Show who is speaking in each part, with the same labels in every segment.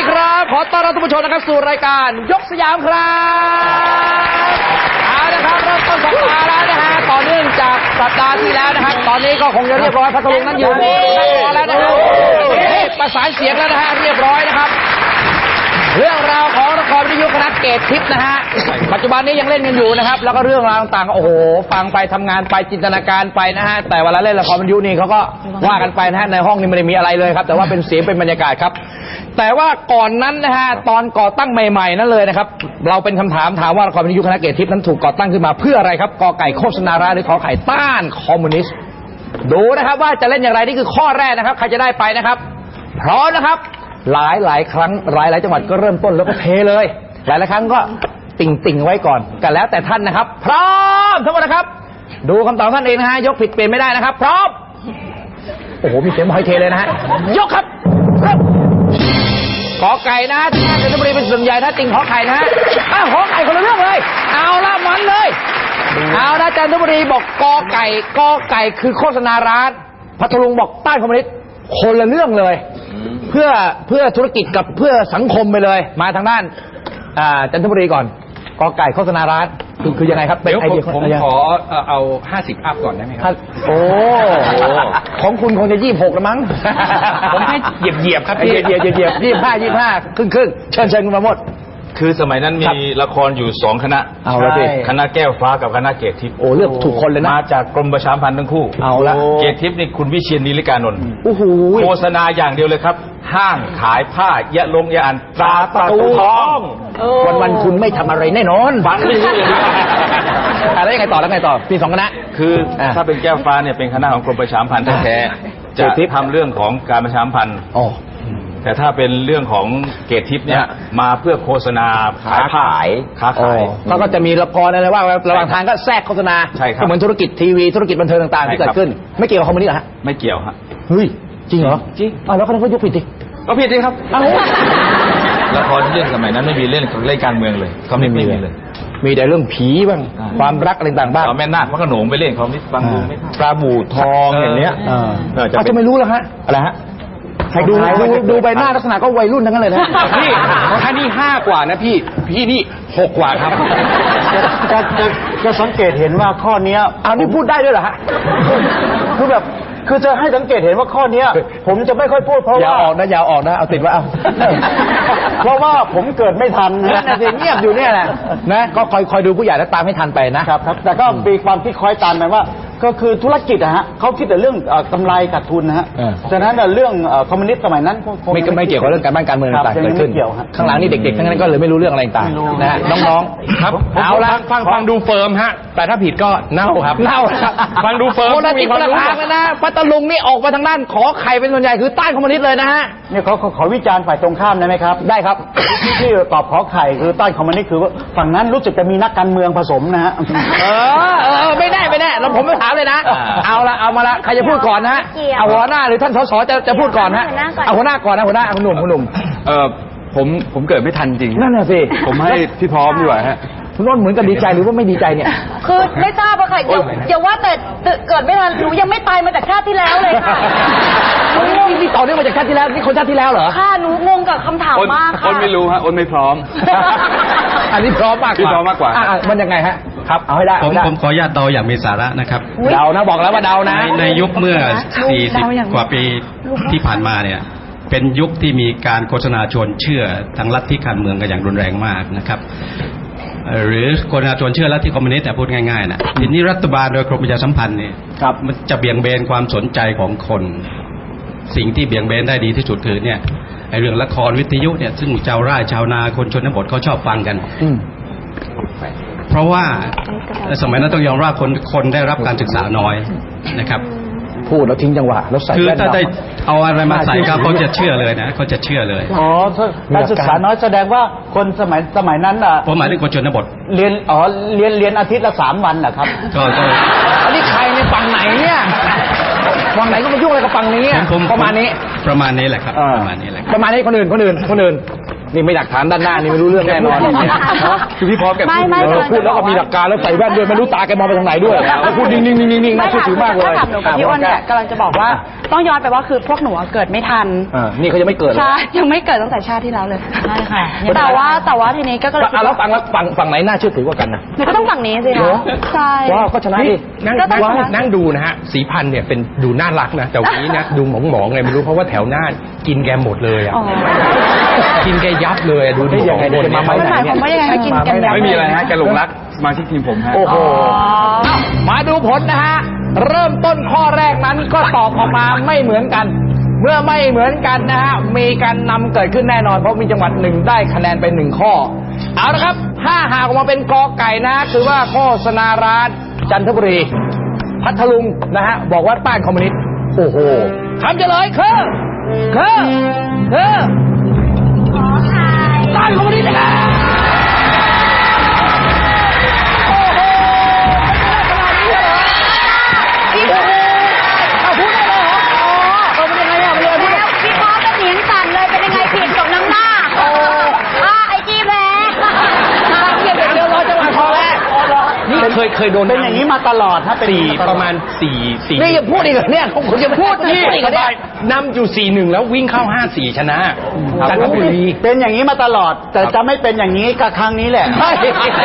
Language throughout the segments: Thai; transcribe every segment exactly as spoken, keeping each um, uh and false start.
Speaker 1: ครับขอต้อนรับทุกผู้ชมนะครับสู่รายการยกสยามครับเอาละครับเริ่มต้นสัปดาห์แล้วนะฮะต่อเนื่องจากสัปดาห์ที่แล้วนะครับตอนนี้ก็คงจะเรียบร้อยพัทลุงนั้นอยู่ในรอแล้วนะฮะประสานเสียงแล้วนะฮะเรียบร้อยนะครับเรื่องราวของละครวิทยุคณะเกตทิพย์นะฮะปัจจุบันนี้ยังเล่นกันอยู่นะครับแล้วก็เรื่องราวต่างๆโอ้โหฟังไปทำงานไปจินตนาการไปนะฮะแต่เวลาเล่นละครวิทยุนี่เขาก็ว่ากันไปนะฮะในห้องนี้ไม่ได้มีอะไรเลยครับแต่ว่าเป็นเสียงเป็นบรรยากาศครับแต่ว่าก่อนนั้นนะฮะตอนก่อตั้งใหม่ๆนั่นเลยนะครับเราเป็นคำถามถามว่าละครวิทยุคณะเกตทิพย์นั้นถูกก่อตั้งขึ้นมาเพื่ออะไรครับกอไก่โฆษณาร้ายหรือขอไข่ต้านคอมมิวนิสต์ดูนะครับว่าจะเล่นอย่างไรนี่คือข้อแรกนะครับใครจะได้ไปนะครับพร้อมนะครับหลายหลายครั้งหลายหลายจังหวัดก็เริ่มต้นแล้วก็เทเลยหลายหลายครั้งก็ติ่งติ่งไว้ก่อนกันแล้วแต่ท่านนะครับพร้อมทั้งหมดนะครับดูคำตอบท่านเองนะฮะยกผิดเปลี่ยนไม่ได้นะครับพร้อมโอ้โหมีเสียงบอยเทเลยนะฮะยกครับขอไก่นะที่จันทบุรีเป็นส่วนใหญ่นะติ่งขอไข่นะฮะอ้าวขอไข่คนละเรื่องเลยเอาละมันเลยเอาละจันทบุรีบอกกอไก่กอไก่คือโฆษณาร้านพัทลุงบอกต้านคอมมิวนิสต์คนละเรื่องเลยเพื่อเพื่อธุรกิจกับเพื่อสังคมไปเลยมาทางด้านจันทบุรีก่อนกอไก่โฆษณาร้านคือคือยังไงครับเป็นไอเดีย
Speaker 2: ผมขอเอาห้าสิบอัพก่อนได้ไหมครับ
Speaker 1: โอ้ของคุณคงจะยี่สิบหกแล้วมั้ง
Speaker 2: ผมให้เหยียบเหยียบครับ
Speaker 1: เหยียบเหยียบเหยียบยี่สิบห้ายี่สิบห้าครึ่งครึ่งเชิญเชิญคุณมาหมด
Speaker 3: คือสมัยนั้นมีละครอยู่สองคณะ
Speaker 1: เอาละสิ
Speaker 3: คณะแก้วฟ้ากับคณะเกตทิพย์
Speaker 1: โอ้เลือกถูกคนเลยนะ
Speaker 3: มาจากกรมประชาสัมพันธ์ทั้งคู่
Speaker 1: เอาละ
Speaker 3: เกตทิพย์นี่คุณวิเชียรนิริกานนท์
Speaker 1: โอ้โห
Speaker 3: โฆษณาอย่างเดียวเลยครับห้างขายผ้ายะลงยะอันตราประตูทอง
Speaker 1: วันวันคุณไม่ทำอะไรแน่นอน
Speaker 3: ฟังไม่รู้เลย
Speaker 1: แล้วยังไงต่อแล้วไงต่อมีสองคณะ
Speaker 3: คือถ้าเป็นแก้วฟ้าเนี่ยเป็นคณะของกรมประชาสัมพันธ์แท้ๆจะทำเรื่องของการประชาสัมพันธ์แต่ถ้าเป็นเรื่องของเกตทิพย์เนี่ยมาเพื่อโฆษณา
Speaker 1: ค้าขาย
Speaker 3: ค้าขาย
Speaker 1: แล้วก็จะมีละครอะไรว่าระหว่างทางก็แทรกโฆษณา
Speaker 3: ใช่ครับ
Speaker 1: เหมือนธุรกิจทีวีธุรกิจบันเทิงต่างๆที่เกิดขึ้นไม่เกี่ยวกับคอมมิวนิสต์เหรอฮะ
Speaker 3: ไม่เกี่ยวฮะ
Speaker 1: เฮ้ยจริงเหรอ
Speaker 3: จริง
Speaker 1: อ้าวแล้วเขายกผิดดิ
Speaker 3: ก็ผิดดิครับละครที่เล่นสมัยนั้นไม่มีเล่นเล่นการเมืองเลยเขาไม่มีเลย
Speaker 1: มีแต่เรื่องผีบ้างความรักอะไรต่างๆบ้าง
Speaker 3: เอาแม่นาคพระโขนงไปเล่นเขาไม่ฟังดูไม่
Speaker 1: ปลาบู่ทองอย่างเนี้ยเขาจะไม่รู้แล้วฮะอะไรฮะดูดูดูใบหน้าลักษณะก็วัยรุ่นทั้งนั้นเลยนะ
Speaker 2: พี่ถ้านี่ห้ากว่านะพี่พี่นี่หกกว่าครับ
Speaker 4: จะจะจะสังเกตเห็นว่าข้อนี้
Speaker 1: อ้าวนี่พูดได้ด้วยเหรอฮะ
Speaker 4: คือแบบคือจะให้สังเกตเห็นว่าข้อนี้ผมจะไม่ค่อยพูดเพราะว่า
Speaker 1: อย่าออกนะอย่าออกนะเอาติดไว้เอา
Speaker 4: เพราะว่าผมเกิดไม่ทัน
Speaker 1: นะเงียบอยู่เนี่ยแหละนะก็คอยคอยดูผู้ใหญ่แล้วตามให้ทันไปนะครับ
Speaker 4: ครับแต่ก็มีความคิดคอยตามไปว่าก็คือธุรกิจอะฮะเขาคิดแต่เรื่องกำไรขาดทุนนะฮะฉะนั้นเรื่องคอมมิวนิสต์สมัยนั้น
Speaker 1: ไม่ไม่เกี่ยวกับเรื่องการบ้านการเมืองต่างๆเกิดขึ้นข้างหลังนี่เด็กๆทั้งนั้นก็เลยไม่รู้เรื่องอะไรต่างๆนะน้องๆ
Speaker 2: ครับเอาละฟังฟังดูเฟิร์มฮะแต่ถ้าผิดก็เน่าครับ
Speaker 1: เน่าครับ
Speaker 2: ฟังดูเฟิร์ม
Speaker 1: คนละทิศคนละทางเลยนะพัทลุงนี่ออกมาทางด้านขอไข่เป็นส่วนใหญ่คือต้านคอมมิวนิสต์เลยนะฮะ
Speaker 4: เนี่ยเขาขอวิจารณ์ฝ่ายตรงข้ามได้ไหมครับ
Speaker 1: ได้ครับ
Speaker 4: ที่ที่ตอบขอไข่คือต้านคอมมิวนิสต์คือฝั่งนั้นรู้สึกจะมีนักการเมืองผสมนะฮะ
Speaker 1: เออเออไม่แน่ไม่แน่เราผมไม่ถามเลยนะเอาละเอามาละใครจะพูดก่อนนะฮะเอาหัวหน้าหรือท่านสสจะจะพูดก่อนฮะเอาหัวหน้าก่อนนะหัวหน้าคุณหนุ่มคุณหนุ่ม
Speaker 2: เออผมผมเกิดไม่ทันจริง
Speaker 1: นั่นแหละสิ
Speaker 2: ผมให้พี่พร้อมดีกว่าฮะ
Speaker 1: คุณน้นเหมือนกับดีใจหรือว่าไม่ดีใจเนี่ย
Speaker 5: คือไม่ทราบอะค่ะอย่าว่าแต่เกิดไม่ทันหนูยังไม่ตายมาจากชาติที่แล้วเลยค่ะ
Speaker 1: นี่ต่อเนื่องมาจากชาติที่แล้วนี่คนชาติที่แล้วเหรอ
Speaker 5: ค่ะหนูงงกับคำถามมากค่ะ
Speaker 2: อ้นไม่รู้ฮะอ้นไม่พร้อม
Speaker 1: อันนี้พร้อมมากกว่า
Speaker 2: พี่พร้อมมากกว่า
Speaker 1: มันยังไงฮะครับเอาให้ได้
Speaker 6: ผมผมขออนุญาตเดาอย่างมีสาระนะครับ
Speaker 1: เดานะบอกแล้วว่าเดานะ
Speaker 6: ในยุคเมื่อสี่สิบกว่าปีที่ผ่านมาเนี่ยเป็นยุคที่มีการโฆษณาชวนเชื่อทางลัทธิการเมืองกันอย่างรุนแรงมากนะครับหรือโฆษณาชวนเชื่อลัทธิคอมมิวนิสต์แต่พูดง่ายๆนะทีนี้รัฐบาลโดยกรมประชาสัมพันธ์เนี่ยมันจะเบี่ยงเบนความสนใจของคนสิ่งที่เบี่ยงเบนได้ดีที่สุดคือเนี่ยไอเรื่องละครวิทยุเนี่ยซึ่งชาวไร่ชาวนาคนชนบทเขาชอบฟังกันเพราะว่าสมัยนั้นต้องยอมรับคนคนได้รับการศึกษาน้อยนะครับ
Speaker 1: พูดแล้วทิ้งจังหวะแล้วใส่
Speaker 6: คือถ้าได้เอาอะไรมาใส่ก็เขาจะเชื่อเลยนะเขาจะเชื่อเลย
Speaker 4: อ๋อการศึกษาน้อยแสดงว่าคนสมัยสมัยนั้นอ่ะ
Speaker 6: ผมหมายถึงคนชนบท
Speaker 4: เรียนอ๋อเรียนเรียนอาทิตย์ละสามวันนะครับ
Speaker 6: ก็ก็
Speaker 1: อันนี้ใครในฝั่งไหนเนี่ยฝั่งไหนก็มายุ่งอะไรกับฝั่งนี้ประมาณนี้
Speaker 6: ประมาณนี้แหละครับประมาณนี้แหละ
Speaker 1: ประมาณนี้คนอื่นคนอื่นคนอื่นนี่ไม่หลักฐานด้านหน้านี่ไม่รู้เรื่องแน่นอนคือพี่พร้อมแกพูด
Speaker 5: ไม่
Speaker 1: เออพูดแล้วก็มีหลักการแล้วใส่แว่นด้วยไม่รู้ตาแกมองไปทางไหนด้วยแล้วพูดนิ่งๆนิ่งๆน่าเชื่อถือมากเลย
Speaker 7: ถ้าถามหนูกับพี่อ้นเนี่ยกำลังจะบอกว่าต้องย้อนไปว่าคือพวกหนูเกิดไม่ทัน
Speaker 1: อ่านี่เขายังไม่เกิดเลย
Speaker 7: ใช่ยังไม่เกิดตั้งแต่ชาติที่แล้วเลย
Speaker 5: ใช่ค่ะ
Speaker 7: แต่ว่าแต่ว่าทีนี้ก็เลย
Speaker 1: อ่ะแล้วฟังแล้วฝั่งฝั่งไหนน่าเชื่อถือกว่ากันนะ
Speaker 7: หนูก็ต้องฝั่งนี้สิ
Speaker 1: เหร
Speaker 7: คะ
Speaker 1: อ
Speaker 7: ใช่
Speaker 1: ว้าวก็ชนะดิ
Speaker 2: นั่ง
Speaker 7: ก็ต้อง
Speaker 2: นั่ง
Speaker 7: ชนะ
Speaker 2: นั่งดูนะฮะสีพันธุ์เนี่ยเป็นดูน่ารักนะแต่วันนี้นะดูหมองหมองๆไงไม่รู้เพราะว่าแถวหน้ากินแกหมดเลยอ่ะ
Speaker 7: อ๋อ
Speaker 2: กินแกยับเลยอะดูดิ
Speaker 1: ยังไง
Speaker 2: สองคน
Speaker 1: จะมา
Speaker 2: เนี่ย
Speaker 1: ไม้ไหน
Speaker 7: หมายความว่ายังไงให้กินกันยับ
Speaker 3: ไม่มีอะไรฮะแกหลงรักสมาชิกทีมผมฮะ
Speaker 1: โอ้โหอ้าวมาดูผลนะฮะ เริ่มต้นข้อแรกนั้นก็ตอบออกมาไม่เหมือนกัน เมื่อไม่เหมือนกันนะฮะ มีการนำเกิดขึ้นแน่นอนเพราะมีจังหวัดหนึ่งได้คะแนนไปหนึ่งข้อ เอาละครับ ถ้าหากออกมาเป็นกอไก่นะคือว่าโฆษณาร้านจันทบุรี พัทลุงนะฮะ บอกว่าต้านคอมมิวนิสต์ โอ้โหคำเฉลยคือคือคือต้านคอมมิวนิสต์นะครับโอ้โหขนาดนี้เลยเหรอเอาพูดได้เลยเหรออ๋อเออเป็นยังไงอ่ะเป็นยังไงพูด
Speaker 5: แล้วพี่พ่อก็เสียงสั่นเลยเป็นยังไงผิดสมน้ำหน้าอ่าไอจีแพ้
Speaker 1: เกียรติเดียวรอจังหวะพอแล้ว
Speaker 2: นี่เคยเคยโดน
Speaker 4: เป็นอย่างนี้มาตลอดฮะเป็น
Speaker 2: สี่
Speaker 4: อย่งนี้
Speaker 2: ประมาณสี่สี่
Speaker 1: นี่ยังพูดอีกเหรอเนี่ยผมจะพูด
Speaker 2: นี่
Speaker 1: อีกเหรอเนี่ย
Speaker 2: นำอยู่สี่หนึ่งแล้ววิ่งเข้าห้าสี่ชนะจันทบุรี
Speaker 4: เป็นอย่างนี้มาตลอด แต่จะไม่เป็นอย่างนี้กับครั้งนี้แหละ
Speaker 1: ใช่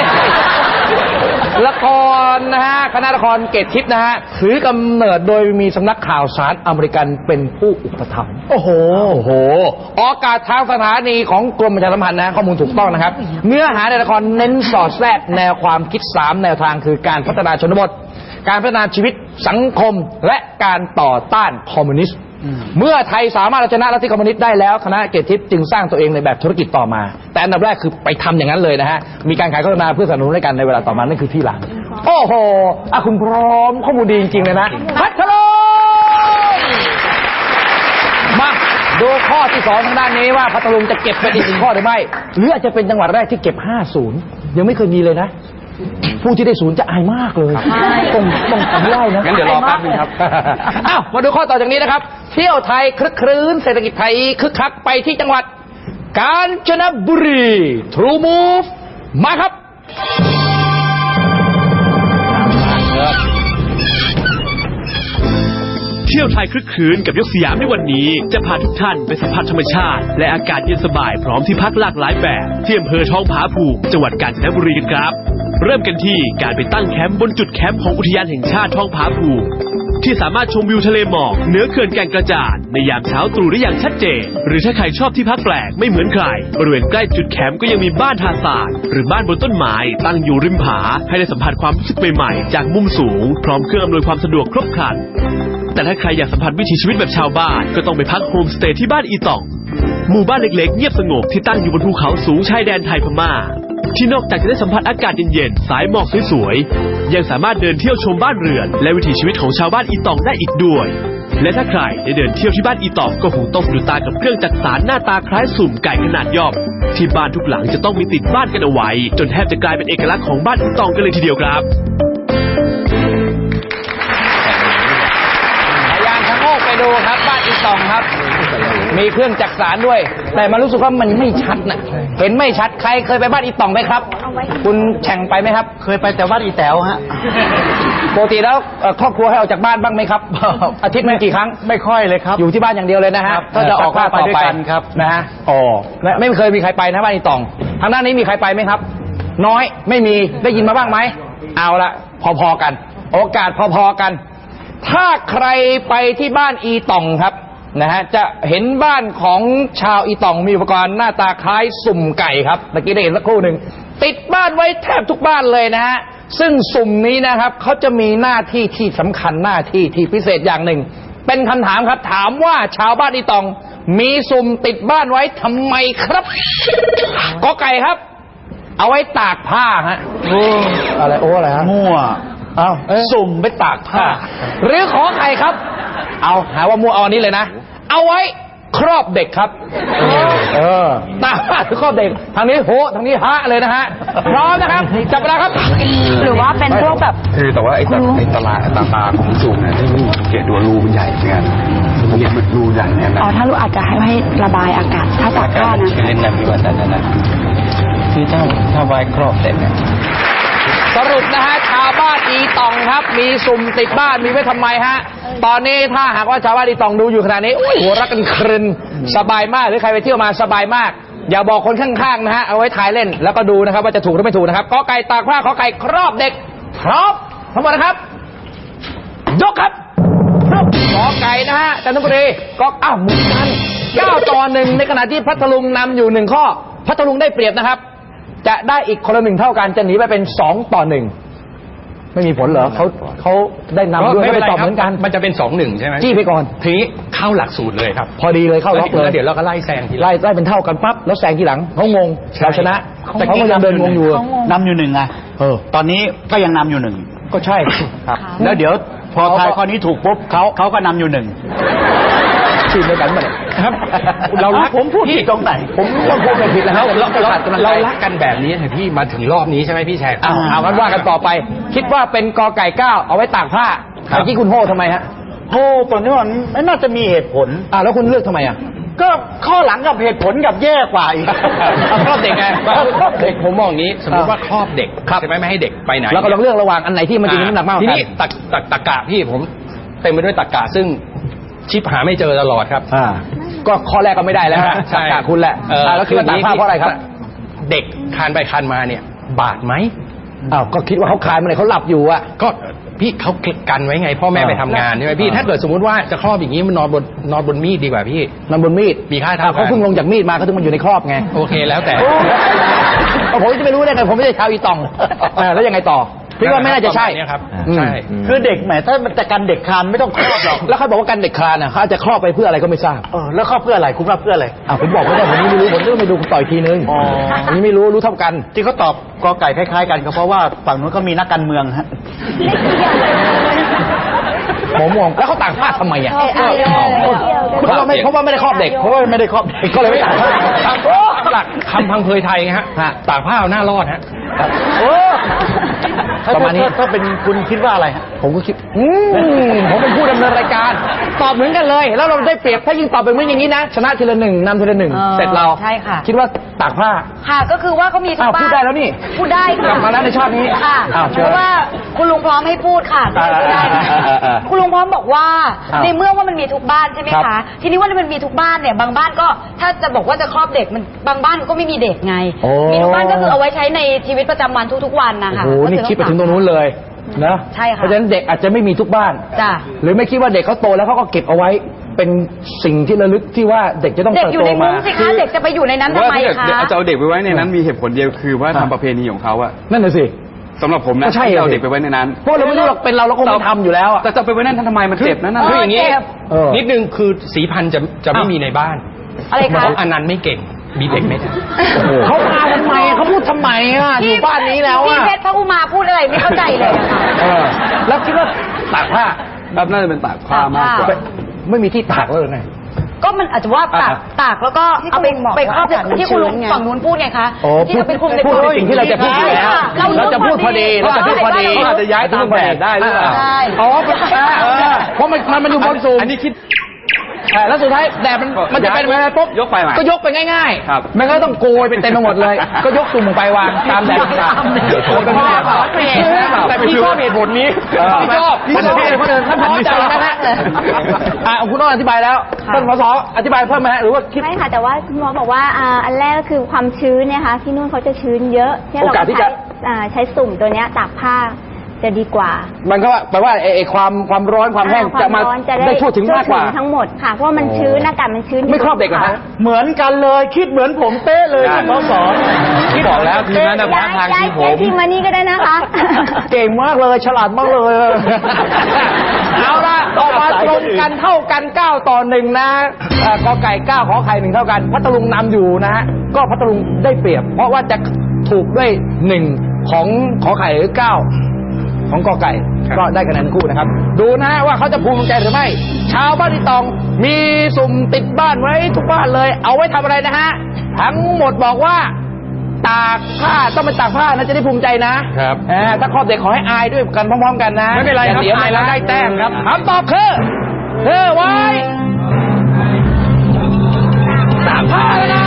Speaker 1: ละครนะฮะคณะละครเกตทิพย์นะฮะถือกำเนิดโดยมีสำนักข่าวสารอเมริกันเป็นผู้อุปถัมภ์โอ้โหโอ้โหออกอากาศทางสถานีของกรมประชาสัมพันธ์นะข้อมูลถูกต้องนะครับ เนื้อหาในละครเน้นสอดแทรกแนวความคิดสามแนวทางคือการพัฒนาชนบท การพัฒนาชีวิตสังคมและการต่อต้านคอมมิวนิสต์เมื่อไทยสามารถเอาชนะลัทธิคอมมิวนิสต์ได้แล้วคณะเกตทิพย์จึงสร้างตัวเองในแบบธุรกิจต่อมา แต่อันดับแรกคือไปทำอย่างนั้นเลยนะฮะมีการขายโฆษณาเพื่อสนับสนุนให้กันในเวลาต่อมานั่นคือที่หลังโอ้โหอ่ะคุณพร้อมข้อมูลดีจริงๆเลยนะพัทลุงมาดูข้อที่สองทางด้านนี้ว่าพัทลุงจะเก็บไปอีกหนึ่งข้อหรือไม่หรืออาจจะเป็นจังหวัดแรกที่เก็บห้าศูนย์ยังไม่เคยมีเลยนะผู้ที่ได้ศูนย์จะอายมากเลยต้องต้องทำไล่นะ
Speaker 2: งั้นเดี๋ยวรอแป๊บนึงครับ
Speaker 1: อ้าวมาดูข้อต่อจากนี้นะครับ เที่ยวไทยคลึกครื้นเศรษฐกิจไทยคึกคักไปที่จังหวัดกาญจนบุรี True Move มาครับ
Speaker 8: เที่ยวไทยคลึกครื้นกับยกสยามในวันนี้จะพาทุกท่านไปสัมผัสธรรมชาติ และอากาศเย็นสบายพร้อมที่พักหลากหลายแบบที่อำเภอท้องผาภูมิจังหวัดกาญจนบุรีกันครับ เริ่มกันที่การไปตั้งแคมป์บนจุดแคมป์ของอุทยานแห่งชาติท้องผาภูมิที่สามารถชมวิวทะเลหมอกเหนือเขื่อนแก่งกระจานในยามเช้าตรู่ได้อย่างชัดเจนหรือถ้าใครชอบที่พักแปลกไม่เหมือนใครบริเวณใกล้จุดแคมป์ก็ยังมีบ้านทาสานหรือบ้านบนต้นไม้ตั้งอยู่ริมผาให้ได้สัมผัสความรู้สึกใหม่ๆจากมุมสูงพร้อมเครื่องอำนวยความสะดวกครบครันแต่ถ้าใครอยากสัมผัสวิถีชีวิตแบบชาวบ้านก็ต้องไปพักโฮมสเตย์ที่บ้านอีต่องหมู่บ้านเล็กๆเงียบสงบที่ตั้งอยู่บนภูเขาสูงชายแดนไทยพม่าที่นอกจากจะได้สัมผัสอากาศเย็นๆสายหมอกสวยๆยังสามารถเดินเที่ยวชมบ้านเรือนและวิถีชีวิตของชาวบ้านอีต่องได้อีกด้วยและถ้าใครได้เดินเที่ยวที่บ้านอีต่องก็คงต้องสะดุดตากับเครื่องจักสานหน้าตาคล้ายสุ่มไก่ขนาดย่อมที่บ้านทุกหลังจะต้องมีติดบ้านกันเอาไว้จนแทบจะกลายเป็นเอกลักษณ์ของบ้านอีต่องกันเลยทีเดียวครับ
Speaker 1: พยานชะโงกไปดูครับบ้านอีตองครับ มีเครื่องจักสานด้วย แต่มันรู้สึกว่ามันไม่ชัดนะเห็นไม่ชัดใครเคยไปบ้านอีตองไหมครับ คุณแข่งไปไหมครับ
Speaker 4: เคยไปแต่วัดอีแต๋วฮะ
Speaker 1: ปกติแล้วเอ่อครอบครัวให้ออกจากบ้านบ้างไหมครับ อาทิตย์หนึงกี่ครั้ง
Speaker 4: ไม่ค่อยเลยครับ
Speaker 1: อยู่ที่บ้านอย่างเดียวเลยนะฮะ
Speaker 4: ครับ
Speaker 1: ถ้าจะออก
Speaker 4: แต่ก็
Speaker 1: ต่อ
Speaker 4: ไปด้วยกันครับ
Speaker 1: นะฮะอ๋อและไม่เคยมีใครไปนะบ้านอีตองทางด้านนี้มีใครไปไหมครับ น้อยไม่มีได้ยินมาบ้างไหมเอาละพอๆกัน โอกาสพอๆกัน ถ้าใครไปที่บ้านอีตองครับนะฮะจะเห็นบ้านของชาวอีตองมีอุปกรณ์หน้าตาคล้ายสุ่มไก่ครับเมื่อกี้ได้เห็นสักครู่หนึ่งติดบ้านไว้แทบทุกบ้านเลยนะฮะซึ่งสุ่มนี้นะครับเขาจะมีหน้าที่ที่สำคัญหน้าที่ที่พิเศษอย่างหนึ่งเป็นคำถามครับถามว่าชาวบ้านอีตองมีสุ่มติดบ้านไว้ทำไมครับกอไก่ครับ เอาไว้ตากผ้าฮะอะไรโอ้อะไรฮะ
Speaker 4: มั่ว
Speaker 1: เอาสุ่มไปตากผ้า หรือขอไข่ครับ เอาหาว่ามัวเอาอันนี้เลยนะ เอาไว้ครอบเด็กครับ เออตากผ้าหรือครอบเด็ก ทางนี้โหทางนี้ฮะเลยนะฮะ พร้อมนะครับ จับเวลาครับ
Speaker 7: หรือว่าเป็นพวกแบบ
Speaker 3: คือแต่ว่าไอ้ตาไอ้ตาลาตาตาของสูงเนี่ยที่นี่สังเกตดูรูมันใหญ่เหมือนกัน
Speaker 9: เนี่ยมันรูใหญ่เนี่ยนะ
Speaker 7: อ๋อถ้ารู้อาจจะให้ให้ระบายอากาศถ้าตากผ้านะ
Speaker 9: เล่นน้ำดีกว่านั้นนะคือถ้าถ้าไว้ครอบเสร็จเนี่ย
Speaker 1: สรุปนะฮะชาวบ้านอีตองครับมีสุ่มติดบ้านมีไว้ทำไมฮะตอนนี้ถ้าหากว่าชาวบ้านอีตองดูอยู่ขณะนี้โอ้ยหัวรักกันครึนสบายมากหรือใครไปเที่ยวมาสบายมากอย่าบอกคนข้างๆนะฮะเอาไว้ถ่ายเล่นแล้วก็ดูนะครับว่าจะถูกหรือไม่ถูกนะครับกอไก่ตากผ้าขอไก่ครอบเด็กพร้อมทั้งหมดนะครับยกครับกอไก่นะฮะจันทบุรีก็อ้าวหมุนกันเก้าต่อหนึ่งในขณะที่พัทลุงนำอยู่หนึ่งข้อพัทลุงได้เปรียบนะครับจะได้อีกคนละหนึ่งเท่ากันจะหนีไปเป็นสองต่อหนึ่งไม่มีผลเหรอเขาเขาได้นำด้วยไม่ไปตอบเหมือนกัน
Speaker 2: มันจะเป็นสองหนึ่งใช่ไหม
Speaker 1: จี้ไปก่อน
Speaker 2: ทีนี้เข้าหลักสูตรเลยครับ
Speaker 1: พอดีเลยเข้าล็อกเลย
Speaker 2: เดี๋ยวเราก็ไล่แซงที
Speaker 1: ไล่ไล่เป็นเท่ากันปั๊บแล้วแซงทีหลังเขางงเราชนะแต่เขาก็ยังเดินงงอยู่
Speaker 4: นำอยู่หนึ่งไงเออตอนนี้ก็ยังนำอยู่หนึ่ง
Speaker 1: ก็ใช่
Speaker 4: ครับแล้วเดี๋ยวพอทายข้อนี้ถูกปุ๊บเขาเขาก็นำอยู่หนึ่ง
Speaker 1: ทีมเดียวกันหมด
Speaker 2: ครับเรารัก
Speaker 4: ผมพูดผิดตรงไหน
Speaker 1: ผมต้องพูดผิดแล้วเรา
Speaker 2: เรารักกันแบบนี้พี่มาถึงรอบนี้ใช่ไหมพี่แชร์
Speaker 1: เอากันว่ากันต่อไปคิดว่าเป็นกอไก่เก้าเอาไว้ตากผ้าเมื่อกี้คุณโห่ทำไมฮะ
Speaker 4: โห่ตัวนี้มันไม่น่าจะมีเหตุผล
Speaker 1: อ่าแล้วคุณเลือกทำไมอ่ะ
Speaker 4: ก็ข้อหลังกับเหตุผลกับแย่กว่าอีก
Speaker 1: ครอบเด็กไง
Speaker 2: ครอบเด็กผมมองอย่างนี้สมมติว่าครอบเด็กใช่ไหมไม่ให้เด็กไปไหน
Speaker 1: แล้วก็ลองเลือกระหว่างอันไหนที่มันจะมีน้ำหนักมาก
Speaker 2: ทีนี้ตักตักตะกะพี่ผมเต็มไปด้วยตะกะซึ่งชิปหาไม่เจอตลอดครับ
Speaker 1: อ่าก็ข้อแรกก็ไม่ได้แล้วตะกะคุณแหละแล้วคิดว่าตากผ้าเพราะอะไรครับ
Speaker 2: เด็กคานไปคานมาเนี่ยบาดไหม
Speaker 1: อ้าวก็คิดว่าเขาคานมาไหนเขาหลับอยู่อ่ะ
Speaker 2: ก็พี่เขากันไว้ไงพ่อแม่ไปทำงานใช่ไหมพี่ถ้าเกิดสมมติว่าจะครอบอย่างนี้มันนอนบนนอนบนมีดดีกว่าพี่
Speaker 1: นอนบนมีด
Speaker 2: มีค่าเท่า
Speaker 1: เขาเพิ่งลงจากมีดมาเขาถึงมันอยู่ในครอบไง
Speaker 2: โอเคแล้วแต่
Speaker 1: ผมจะไม่รู้ได้ไงผมไม่ใช่ชาวอีตองแล้วยังไงต่อพี่ว่าไม่น่าจะใช่
Speaker 2: ครับใช่
Speaker 4: คือเด็กแหมถ้ามันจะกันเด็กคลานไม่ต้องครอบหรอก
Speaker 1: แล้วเขาบอกว่ากันเด็กคลานอ่ะเขาจะครอบไปเพื่ออะไรก็ไม่ทราบ
Speaker 4: เออแล้วครอบเพื่ออะไรคุณว่าเพื่ออะไร
Speaker 1: อ่าผมบอกไม่ได้ผมไม่รู้ผมต้องไปดูต่อยทีนึงอ๋อผมไม่รู้รู้เท่ากัน
Speaker 4: ที่เขาตอบกอไก่คล้ายๆกันก็เพราะว่าฝั่งนู้นเขามีนักการเมืองฮะ
Speaker 1: ผมมองแล้วเขาตากผ้าทำไมอ่ะเพราะว่าไม่เพราะว่าไม่ได้ครอบเด็กเพราะว่าไม่ได้ครอบเด็กก็เลยไม่ตากผ้า
Speaker 2: หลักคำพังเพยไทยฮะตากผ้าเอาหน้ารอดฮะ
Speaker 4: ประมาณนี้ถ้าเป็นคุณคิดว่าอะไร
Speaker 1: ผมก็คิดอืมผมเป็นผู้ดำเนินรายการตอบเหมือนกันเลยแล้วเราได้เปรียบถ้ายิ่งตอบเป็นเหมือนอย่างนี้นะชนะทีละหนึ่งนำทีละหนึ่งเสร็จเรา
Speaker 5: ใช่ค่ะ
Speaker 1: คิดว่าตากผ้า
Speaker 5: ค่ะก็คือว่าเขามีทุกบ้าน
Speaker 1: พูดได้แล้วนี่
Speaker 5: พูดได้
Speaker 1: กลับมาแล้วในชาตินี้
Speaker 5: ค่ะเพราะว่าคุณลุงพร้อมให้พูดค่ะพูดได้คุณลุงพร้อมบอกว่าในเมื่อว่ามันมีทุกบ้านใช่ไหมคะทีนี้ว่ามันมีทุกบ้านเนี่ยบางบ้านก็ถ้าจะบอกว่าจะครอบเด็กมันบางบ้านก็ไม่มีเด็กไงมีทุกบ้านก็คือเอาไว้ใช้ในชีวิตประจำวันทุกๆวันนะคะ
Speaker 1: โอ้โหนี่คิดไปถึงตรงนู้นเลยนะ
Speaker 5: ใช่ค่ะ
Speaker 1: เพราะฉะนั้นเด็กอาจจะไม่มีทุกบ้าน
Speaker 5: จ้ะ
Speaker 1: หรือไม่คิดว่าเด็กเขาโตแล้วเขาก็เก็บเอาไว้เป็นสิ่งที่ระลึกที่ว่าเด็กจะต้องเติบโตมา
Speaker 5: สิคะเด็กจะไปอยู่ในนั้นทำไมคะ
Speaker 9: จะเอาเด็กไปไว้ในนั้นมีเหตุผลเดียวคือว่าทำประเพณีของเขาอะ
Speaker 1: นั่นน่ะสิ
Speaker 9: สำหรับผมนะที่เอาเด็กไปไว้ในนั้น
Speaker 1: เพราะเราไม่รู้หรอกเป็นเราเราคงไม่ทำอยู่แล้ว
Speaker 9: แต่จะไปไว้นั่นทำไมมันเจ็บนั่น
Speaker 2: คืออย่างนี้นิดนึงคือสีพันธุ์จะจะไม่มีในบ้าน
Speaker 5: อะไรคะ
Speaker 2: เพราะอนันต์ไม่เก่งมีเด็กไม่ได้
Speaker 1: เขามาทำไมเขาพูดทำไมอ่ะอยู่บ้านนี้แล้วอ่ะ
Speaker 5: พี่เพชรพระอุมาพูดอะไรไม่เข้าใจเลยค่ะ
Speaker 1: แล้วคิดว่าตากผ้า
Speaker 9: แบบน่าจะเป็นตากผ้ามากกว่า
Speaker 1: ไม่มีที่ตากเลยไง
Speaker 5: ก็มันอาจจะว่าตากตากแล้วก็เอาไปไปครอบที่คุณลุงฝั่งนู้นพูดไงคะที่เราเป็นคุมใน
Speaker 1: พูดสิ่งที่เราจะพูดอยู่แล้วเราจะพูดพอดีเราจะพูดพอดี
Speaker 9: อาจจะย้ายตามแบบได้หรือเปล่า
Speaker 1: อ๋อเพราะมันมันอยู่บนสูง
Speaker 9: อันนี้คิด
Speaker 1: แล้วสุดท้ายแดดมันมันจะเป็นอะไรปุ๊บ
Speaker 9: ยกไป
Speaker 1: ก็ยกไปง่ายๆมันก็ต้องโกยไปเต็มไปหมดเลยก็ยกตุ่มไปวางตามแดดต่างๆโกยไปไม่ได้แต่พี่ชอบเหตุผลนี้พี่ชอบพี่ชอบเหตุผลอื่นท่านพอใจนะฮะอ่าคุณต้องอธิบายแล้วท่านผอ.อธิบายเพิ่มไหมหรือว่าคิด
Speaker 10: ไม่ค่ะแต่ว่าคุณหมอบอกว่าอันแรกก็คือความชื้นเนี่ยค่ะที่นู่นเขาจะชื้นเยอะที่เราใช้ใช้สุ่มตัวเนี้ยตากผ้าจะดีกว่า
Speaker 1: มันก็แปลว่าไอ้ความความร้อนความแห้งจะมาได้ทั่วถึงมากกว่า
Speaker 10: ทั้งหมดค่ะเพราะมันชื้นอากาศมันชื้น
Speaker 1: ไม่ครอบเด็กเหรอฮะ
Speaker 4: เหมือนกันเลยคิดเหมือนผมเป๊ะเลยท่านผอ.
Speaker 9: ที่บอกแล้วทีนั้นนะทางทีผม
Speaker 10: ทีมานี่ก็ได้นะคะ
Speaker 1: เก่งมากเลยฉลาดมากเลยเอาละต่อมาตรงกันเท่ากันเก้าต่อหนึ่งนะกอไก่เก้าขอไข่หนึ่งเท่ากันพัทลุงนำอยู่นะฮะก็พัทลุงได้เปรียบเพราะว่าจะถูกด้วยหนึ่งของขอไข่หรือเก้าของกอไก่ก็ได้คะแนนคู่นะครับดูนะฮะว่าเขาจะภูมิใจหรือไม่ชาวบ้านอีตองมีสุ่มติดบ้านไว้ทุกบ้านเลยเอาไว้ทำอะไรนะฮะทั้งหมดบอกว่าตากผ้าต้องเป็นตากผ้านะจะได้ภูมิใจนะครับถ้าครอบเด็กขอให้อายด้วยกันพร้อมๆกันนะ
Speaker 2: ไม่เป็นไรครับ
Speaker 1: เสียไปแล้วได้แต้มครับคำตอบคือเธอไว้ากผ้าแล้วนะ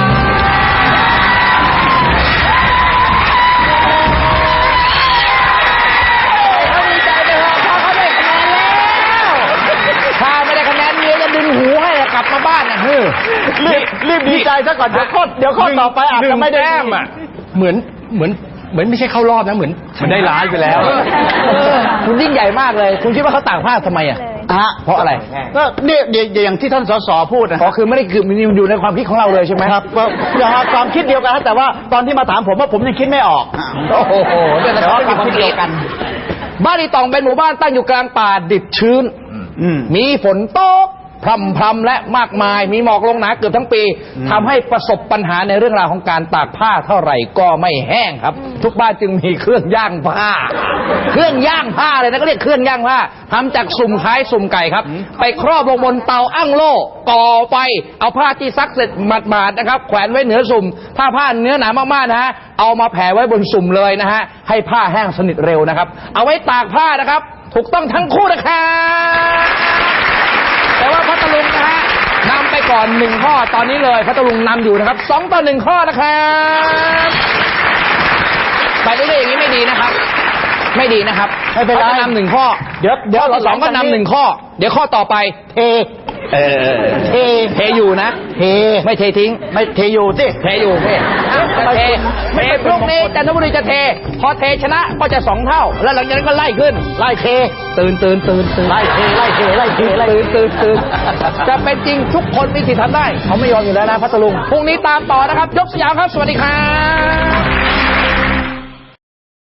Speaker 1: เขาดีใจไปเถอะเพราะเขาได้คะแนนแล้วถ้าไม่ได้คะแนนเมียจะดึงหูให้กลับมาบ้านนะเฮ้ย
Speaker 4: รีบรีบดีใจซะก่อนเดี๋ยวข้อเดี๋ยวข้อต่อไปอาจจะไม่ได้
Speaker 2: แต้มอ่ะเหมือนเหมือนเหมือนไม่ใช่เข้ารอบนะเหมือน
Speaker 3: มันได้ล้านไปแล้ว
Speaker 1: เออคุณยิ่งใหญ่มากเลย คุณคิดว่าเขาตากผ้าทำไมอ่ะ
Speaker 4: ฮะ
Speaker 1: เพราะอะไร
Speaker 4: ก็เนี่ยเดี๋ยวอย่างที่ท่านสสพูดนะ
Speaker 1: อ๋อคือไม่ได้คือมันอยู่ในความคิดของเราเลยใช่ไหม
Speaker 4: ครับก็อย่างความคิดเดียวกันนะแต่ว่าตอนที่มาถามผมว่าผมยังคิดไม่ออก
Speaker 1: โอ้โหเนี่ยแต่ว่าความคิดเดียวกัน บ้านอีตองเป็นหมู่บ้านตั้งอยู่กลางป่าดิบชื้น
Speaker 4: อืม
Speaker 1: มีฝนตกพรำพรำและมากมาย มีหมอกลงหนาเกือบทั้งปีทำให้ประสบปัญหาในเรื่องราวของการตากผ้าเท่าไหร่ก็ไม่แห้งครับ ทุกบ้านจึงมีเครื่องย่างผ้า เครื่องย่างผ้าเลยนะก็เรียกเครื่องย่างผ้าทำจากสุ่มคล้ายสุ่มไก่ครับ ไปครอบลงบนเตาอั้งโล่ก่อไฟเอาผ้าที่ซักเสร็จหมาดๆนะครับแขวนไว้เหนือสุ่มถ้าผ้าเนื้อหนามากๆนะฮะเอามาแผ่ไว้บนสุ่มเลยนะฮะให้ผ้าแห้งสนิทเร็วนะครับเอาไว้ตากผ้านะครับถูกต้องทั้งคู่นะครับแต่ว่าพัทลุงนะฮะนำไปก่อนหนึ่งข้อตอนนี้เลยพัทลุงนำอยู่นะครับสองต่อหนึ่งข้อนะครับไปเรื่อยๆอย่างนี้ไม่ดีนะครับ ไม่ดีนะครับ
Speaker 4: ไม่เป็นไร
Speaker 1: ขาจะนำหนึ่งข้อ
Speaker 4: เดี๋ยวเดี๋ยว
Speaker 1: ข้อที่สองก็นำหนึ่งข้อ เดี๋ยวข้อต่อไปเทเออเทเทอยู่นะเทไม่เททิ้ง
Speaker 4: ไม่เทอยู่สิ
Speaker 1: เทอยู่เทจะเทเทพรุ่งนี้จันทบุรีจะเท พอเทชนะก็จะสองเท่า แล้วหลังจากนั้นก็ไล่ขึ้น ไล่เท ตื่นตื่นตื่นตื่นไล่เทไล่เทไล่เทไล่ตื่นตื่นตื่นจะเป็นจริงทุกคนมีสิทธิ์ทำได้ เขาไม่ยอมอยู่แล้วนะพัทลุงพรุ่งนี้ตามต่อนะครับ ยกสยามครับ สวัสดีครับ